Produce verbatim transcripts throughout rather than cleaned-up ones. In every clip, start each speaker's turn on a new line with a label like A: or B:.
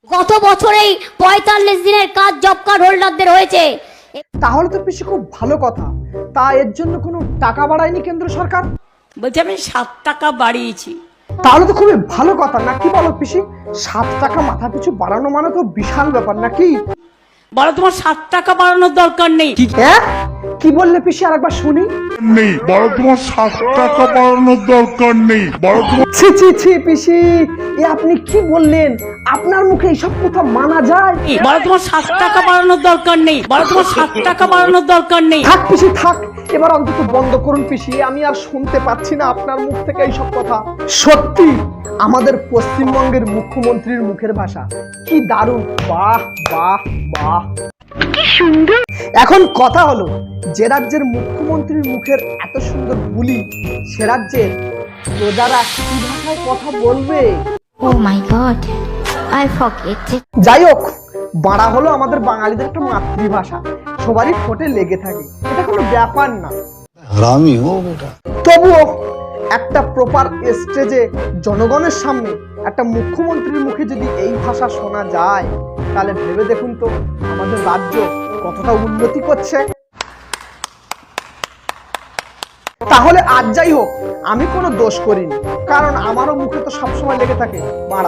A: গত বছরেই পঁয়তাল্লিশ দিনের কাজ জব কার্ড হোল্ডারদের হয়েছে।
B: তাহলে তো পিসি খুব ভালো কথা। তা এর জন্য কোনো টাকা বাড়ায়নি কেন্দ্র সরকার?
C: বলছি আমি সাত টাকা বাড়িয়েছি।
B: তাহলে তো খুবই ভালো কথা, না কি বলো পিসি? সাত টাকা মাথা পিছু বাড়ানো মানে তো বিশাল ব্যাপার নাকি?
C: বলো তোমার সাত টাকা বাড়ানোর দরকার নেই।
B: হ্যাঁ কি বললে পিসি, আরেকবার শুনি।
D: নেই বড়, তোমার সাত টাকা বাড়ানোর দরকার নেই বড়।
B: ছি ছি ছি পিসি, এ আপনি কি বললেন? আপনার মুখে এইসব কথা মানা যায়?
C: বলো তোমার সাত টাকা বাড়ানোর দরকার নেই। বলো তোমার সাত টাকা বাড়ানোর দরকার নেই।
B: থাক পিসি থাক, এবার অন্তত বন্ধ করুন পিসি, আমি আর শুনতে পাচ্ছি না আপনার মুখ থেকে এইসব কথা। সত্যি আমাদের পশ্চিমবঙ্গের মুখ্যমন্ত্রীর মুখের ভাষা কি দারুণ! বাহ বাহ বাহ, কি সুন্দর! এখন কথা হলো, যে রাজ্যের মুখ্যমন্ত্রীর মুখের এত সুন্দর বুলি, সে রাজ্যের প্রজারা কি ভাষায় কথা বলবে?
A: Oh my God, I forget it.
B: যাই হোক, বাংলা হলো আমাদের বাঙালিদের একটা মাতৃভাষা, সবারই ঠোঁটে লেগে থাকে, এটা কোনো ব্যাপার না।
E: হারামি হো বেটা।
B: তবুও একটা প্রপার স্টেজে জনগণের সামনে একটা মুখ্যমন্ত্রীর মুখে যদি এই ভাষা শোনা যায়, তাহলে ভেবে দেখুন তো আমাদের রাজ্য কতটা উন্নতি করছে। তাহলে আজ যাই হোক, আমি কোনো দোষ করিনি, কারণ আমারও মুখে তো সবসময় লেগে থাকে মারা।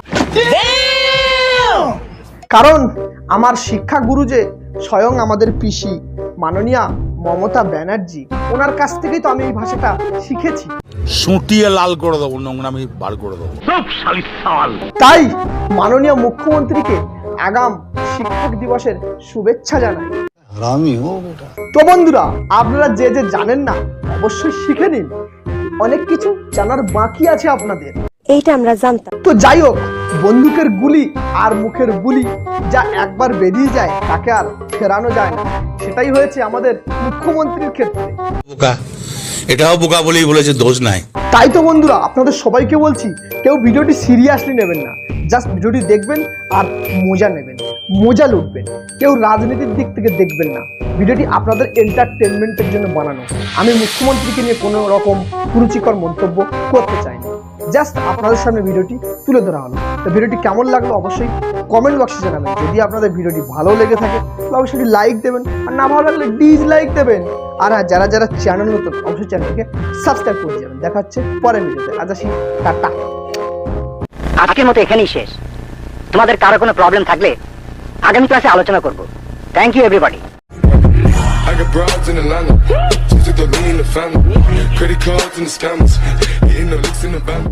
B: কারণ আমার শিক্ষা গুরু যে স্বয়ং আমাদের পিসি মাননীয়া মমতা ব্যানার্জি, ওনার কাছ থেকেই তো আমি এই ভাষাটা শিখেছি।
E: সুটিয়ে লাল করে দেবো, নোংরামি বার করে দেবো।
B: তাই মাননীয় মুখ্যমন্ত্রীকে আগাম শিক্ষক দিবসের শুভেচ্ছা জানাই।
E: হারামি হো বেটা।
B: তো বন্ধুরা, আপনারা যে যে জানেন না অবশ্যই শিখে নিন, অনেক কিছু জানার বাকি আছে আপনাদের।
F: এইটা আমরা জানতাম।
B: তো যাই হোক, বন্দুকের গুলি আর মুখের বুলি যা একবার বেরিয়ে যায় তাকে আর ফেরানো যায় না, সেটাই হয়েছে আমাদের মুখ্যমন্ত্রীর ক্ষেত্রে।
E: বোকা, এটাও বোকা বলেই বলেছে, দোষ নাই।
B: তাই তো বন্ধুরা, আপনাদের সবাইকে বলছি, কেউ ভিডিওটি সিরিয়াসলি নেবেন না, জাস্ট ভিডিওটি দেখবেন আর মজা নেবেন, মজা লুটবেন। কেউ রাজনীতির দিক থেকে দেখবেন না, ভিডিওটি আপনাদের এন্টারটেনমেন্টের জন্য বানানো। আমি মুখ্যমন্ত্রীকে নিয়ে কোনো রকম কুরুচিকর মন্তব্য করতে চাই না, জাস্ট আপনাদের সামনে ভিডিওটি তুলে ধরা হলো। তো ভিডিওটি কেমন লাগলো অবশ্যই কমেন্ট বক্সে জানাবেন। যদি আপনাদের ভিডিওটি ভালো লেগে থাকে তাহলে অবশ্যই লাইক দেবেন, আর না ভালো লাগলে ডিসলাইক দেবেন। আর হ্যাঁ, যারা যারা চ্যানেল নতুন অবশ্যই চ্যানেলটিকে সাবস্ক্রাইব করে যাবেন। দেখা হচ্ছে পরের ভিডিওতে। আজ আসি, টাটা।
G: আজকের মতো এখানেই শেষ। তোমাদের কারো কোনো প্রবলেম থাকলে আগামী ক্লাসে আলোচনা করব। Thank you everybody.
H: I got broads in Atlanta, just took the lean in the family, credit cards and the scammers, hitting the licks in the van.